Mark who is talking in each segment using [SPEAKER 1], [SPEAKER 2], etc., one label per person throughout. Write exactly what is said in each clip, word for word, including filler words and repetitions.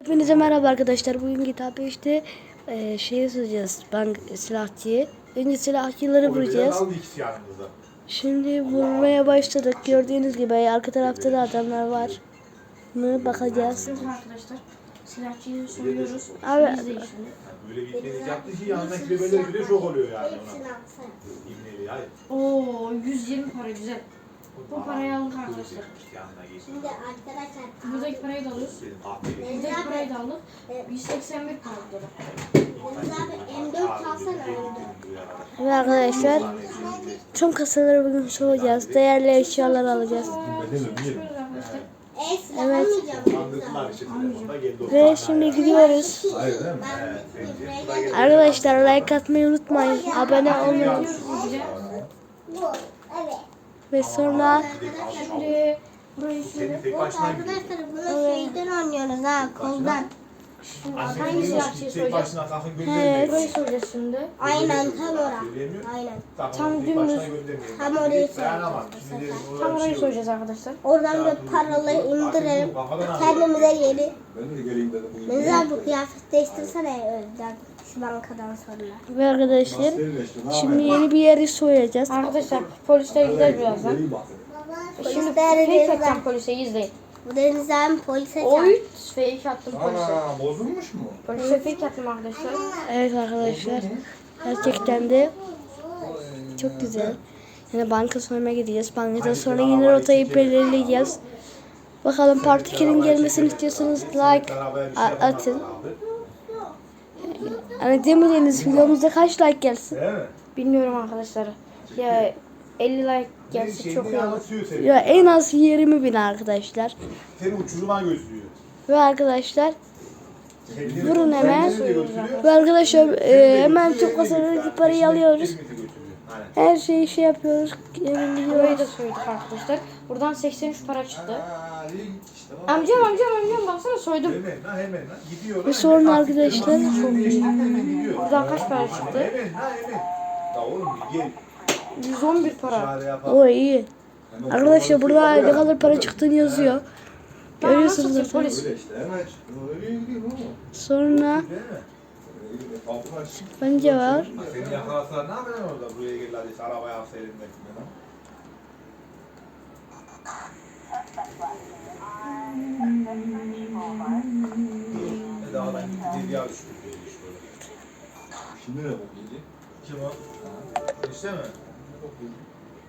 [SPEAKER 1] Hepinize merhaba arkadaşlar. Bugün kitap işte e, şeyi soracağız. Bank silahçıyı. Önce silahçıları vuracağız. Şimdi vurmaya başladık. Gördüğünüz gibi arka tarafta da adamlar var mı bakacağız.
[SPEAKER 2] Arkadaşlar silahçıyı soruyoruz.
[SPEAKER 1] Abi,
[SPEAKER 2] İzleyin şimdi.
[SPEAKER 3] Böyle bir deniz yaptı ki yanındaki de böyle bile şok oluyor yani ona.
[SPEAKER 2] Oo yüz yirmi para güzel. Bu parayı aldık arkadaşlar.
[SPEAKER 4] Şimdi arkadaşlar
[SPEAKER 2] Buradaki parayı da alıyoruz. Buradaki parayı da aldık. yüz seksen bir para burada.
[SPEAKER 4] Deniz abi M dört alsana M dört.
[SPEAKER 1] Ve arkadaşlar tüm kasaları bugün soracağız. Değerli eşyalar alacağız.
[SPEAKER 4] E silah almayacağım.
[SPEAKER 1] Ve şimdi gidiyoruz. Arkadaşlar like atmayı unutmayın. Abone olmayı
[SPEAKER 4] Bu evet.
[SPEAKER 1] ve sonra
[SPEAKER 2] Şimdi burayı şöyle.
[SPEAKER 3] Tek başına
[SPEAKER 4] Arkadaşlar bunu şeyden oynuyoruz ha koldan.
[SPEAKER 2] Hangi silahçıyı
[SPEAKER 3] tek
[SPEAKER 2] soracağız?
[SPEAKER 3] başına kalkın
[SPEAKER 1] Evet.
[SPEAKER 3] göndermeyin.
[SPEAKER 2] Burayı soracağız şimdi.
[SPEAKER 4] Aynen tam ora. Aynen.
[SPEAKER 2] Tam dümdüz.
[SPEAKER 4] Tam orayı
[SPEAKER 3] Dayanamam.
[SPEAKER 4] soracağız.
[SPEAKER 2] Tam orayı soracağız arkadaşlar.
[SPEAKER 4] Oradan da paraları indirelim. Kendimize yeni.
[SPEAKER 5] Ben de geleyim dedim.
[SPEAKER 4] Deniz abi bu kıyafet değiştirsene önden. Şu bankadan sonra.
[SPEAKER 1] ve arkadaşlar şimdi yeni bir yeri soyacağız.
[SPEAKER 2] Arkadaşlar polisler gider birazdan. Şimdi
[SPEAKER 4] Polisler
[SPEAKER 2] fake
[SPEAKER 4] birazdan.
[SPEAKER 2] atacağım polise izleyin.
[SPEAKER 4] Bu Deniz abi polise
[SPEAKER 2] Oy
[SPEAKER 4] çarptı.
[SPEAKER 2] fake attım polise.
[SPEAKER 5] Ana bozulmuş mu?
[SPEAKER 2] Polise fake attım arkadaşlar.
[SPEAKER 1] Evet arkadaşlar gerçekten de çok güzel. Yani banka soymaya gideceğiz. Bankadan sonra yine rotayı belirleyeceğiz. Bakalım Part iki'nin gelmesini istiyorsanız like a- atın. Yani demediğiniz videomuzda kaç like gelsin?
[SPEAKER 3] Değil mi?
[SPEAKER 2] Bilmiyorum arkadaşlar. Ya elli like gelse çok iyi olur.
[SPEAKER 1] Ya en az yirmi bin arkadaşlar.
[SPEAKER 3] Seni uçuruma gözlüyor.
[SPEAKER 1] Ve arkadaşlar
[SPEAKER 3] Kendini-
[SPEAKER 1] vurun hemen.
[SPEAKER 3] kendini de götürüyor.
[SPEAKER 1] Ve arkadaşlar e, hemen tüm kasalardaki parayı alıyoruz.
[SPEAKER 3] Hizmeti götürüyor. Aynen.
[SPEAKER 1] Her şeyi şey yapıyoruz. Hemen
[SPEAKER 2] Burayı
[SPEAKER 1] gidiyoruz.
[SPEAKER 2] da soyduk arkadaşlar. Buradan seksen üç para çıktı.
[SPEAKER 5] Aa, iyi. İşte bak.
[SPEAKER 2] Amcam amcam amcam baksana soydum.
[SPEAKER 3] Hemen lan hemen lan. Gidiyor.
[SPEAKER 1] Ve sonra arkadaşlar
[SPEAKER 2] Buradan kaç para çıktı?
[SPEAKER 3] Hemen lan hemen. Ya oğlum bir gel.
[SPEAKER 2] yüz on bir para.
[SPEAKER 3] Çare yapalım.
[SPEAKER 1] O iyi. Arkadaşlar burada ne kadar para çıktığını yazıyor. Görüyorsunuz
[SPEAKER 2] Nasıl
[SPEAKER 1] zaten.
[SPEAKER 2] polis?
[SPEAKER 5] Öyle işte hemen çıktı. Öyle iyi değil mi?
[SPEAKER 1] Sonra
[SPEAKER 3] Değil mi?
[SPEAKER 5] Öyle kapılar çıktı.
[SPEAKER 1] bence var.
[SPEAKER 3] Ha, Seni yakalasalar ne yapacaksın orada? Buraya gel hadi arabaya al senin bekle lan. Ne dağdan gitti deliğe düştü.
[SPEAKER 5] Şimdi ne bok yedi?
[SPEAKER 3] Kim o? İşte mi?
[SPEAKER 5] Ne bok yedi?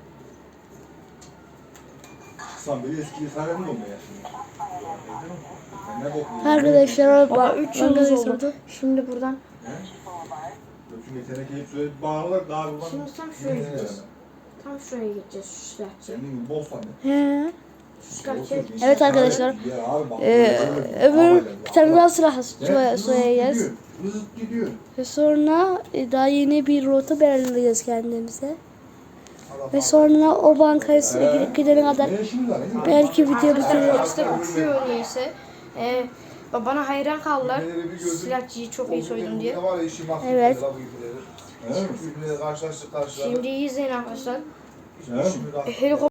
[SPEAKER 5] Sen beni eski sarayım mı olmaya şimdi? Sen ne bok yedin?
[SPEAKER 1] Arkadaşlar
[SPEAKER 2] Baba üç yıldız
[SPEAKER 1] bankayı
[SPEAKER 2] oldu.
[SPEAKER 1] sordu.
[SPEAKER 2] Şimdi buradan.
[SPEAKER 5] Çünkü tenekeyi söyledi bağırlar daha bir bana.
[SPEAKER 2] Şimdi tam şuraya gideceğiz. Tam şuraya gideceğiz şu silahçı.
[SPEAKER 5] Senin gibi bol sandı.
[SPEAKER 1] He.
[SPEAKER 2] Şu silahçı.
[SPEAKER 1] Evet arkadaşlar.
[SPEAKER 5] Ya abi bak.
[SPEAKER 1] Ee, öbür bir tane daha silah soy- soyacağız.
[SPEAKER 5] Hızlı gidiyor.
[SPEAKER 1] Ve sonra e, daha yeni bir rota belirleyeceğiz kendimize. Ve sonra o bankaya gidip gidene kadar
[SPEAKER 5] Ne işimiz var? Ne?
[SPEAKER 1] belki video
[SPEAKER 2] Arkadaşlar
[SPEAKER 1] bitirir.
[SPEAKER 2] polisler uçuyor neyse. Ee, bana hayran kaldılar. Silahçıyı çok iyi soydum diye.
[SPEAKER 1] Evet.
[SPEAKER 3] Karşılaştık karşılaştık.
[SPEAKER 2] Şimdi iyi izleyin arkadaşlar.
[SPEAKER 5] Evet.
[SPEAKER 2] Helikopter